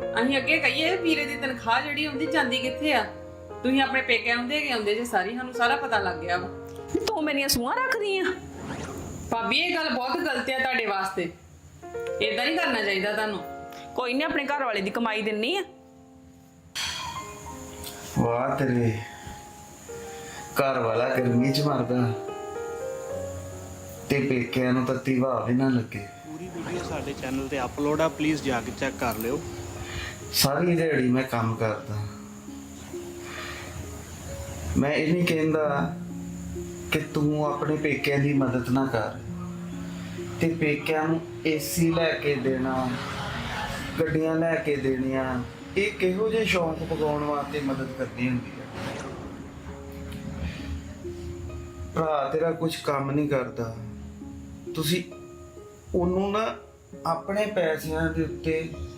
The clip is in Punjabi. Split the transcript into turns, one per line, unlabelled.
ਅਸੀਂ ਅੱਗੇ ਕਹੀਏ ਵੀਰੇ ਦੀ ਤਨਖਾਹ ਜਿਹੜੀ ਹੁੰਦੀ ਜਾਂਦੀ ਕਿੱਥੇ ਆ। ਤੁਸੀਂ ਆਪਣੇ ਪੇਕੇ ਆਉਂਦੇ ਜੇ ਸਾਰੀ ਸਾਨੂੰ ਸਾਰਾ ਪਤਾ ਲੱਗ ਗਿਆ ਵਾ।
ਤੂੰ ਮੇਰੀਆਂ ਸੂਹਾਂ ਰੱਖਦੀ ਆ।
ਭਾਬੀ ਇਹ ਗੱਲ ਬਹੁਤ ਗਲਤ ਆ ਤੁਹਾਡੇ ਵਾਸਤੇ। ਏਦਾਂ ਨਹੀਂ ਕਰਨਾ ਚਾਹੀਦਾ ਤੁਹਾਨੂੰ।
ਕੋਈ ਨਹੀਂ, ਆਪਣੇ ਘਰ ਵਾਲੇ ਦੀ ਕਮਾਈ ਦਿੰਨੀ ਆ।
ਵਾਹ ਤੇਰੇ ਘਰ ਵਾਲਾ ਗਰਮੀ ਚ ਮਰਦਾ ਤੇ ਪੇਕਿਆਂ ਨੂੰ ਤੱਤੀ ਹਵਾ ਵੀ ਨਾ ਲੱਗੇ।
ਪੂਰੀ ਵੀਡੀਓ ਸਾਡੇ ਚੈਨਲ ਤੇ ਅਪਲੋਡ ਆ, ਪਲੀਜ਼ ਜਾ ਕੇ ਚੈੱਕ ਕਰ ਲਿਓ।
ਸਾਰੀ ਦਿਹਾੜੀ ਮੈਂ ਕੰਮ ਕਰਦਾ। ਮੈਂ ਇਹ ਨਹੀਂ ਕਹਿੰਦਾ ਕਿ ਤੂੰ ਆਪਣੇ ਪੇਕਿਆਂ ਦੀ ਮਦਦ ਨਾ ਕਰ, ਤੇ ਪੇਕਿਆਂ ਨੂੰ ਏਸੀ ਲੈ ਕੇ ਦੇਣਾ, ਗੱਡੀਆਂ ਲੈ ਕੇ ਦੇਣੀਆਂ, ਇਹ ਕਿਹੋ ਜਿਹੇ ਸ਼ੌਂਕ ਪਗਾਉਣ ਵਾਸਤੇ ਮਦਦ ਕਰਨੀ ਹੁੰਦੀ ਹੈ। ਭਰਾ ਤੇਰਾ ਕੁਝ ਕੰਮ ਨਹੀਂ ਕਰਦਾ, ਤੁਸੀਂ ਉਹਨੂੰ ਨਾ ਆਪਣੇ ਪੈਸਿਆਂ ਦੇ ਉੱਤੇ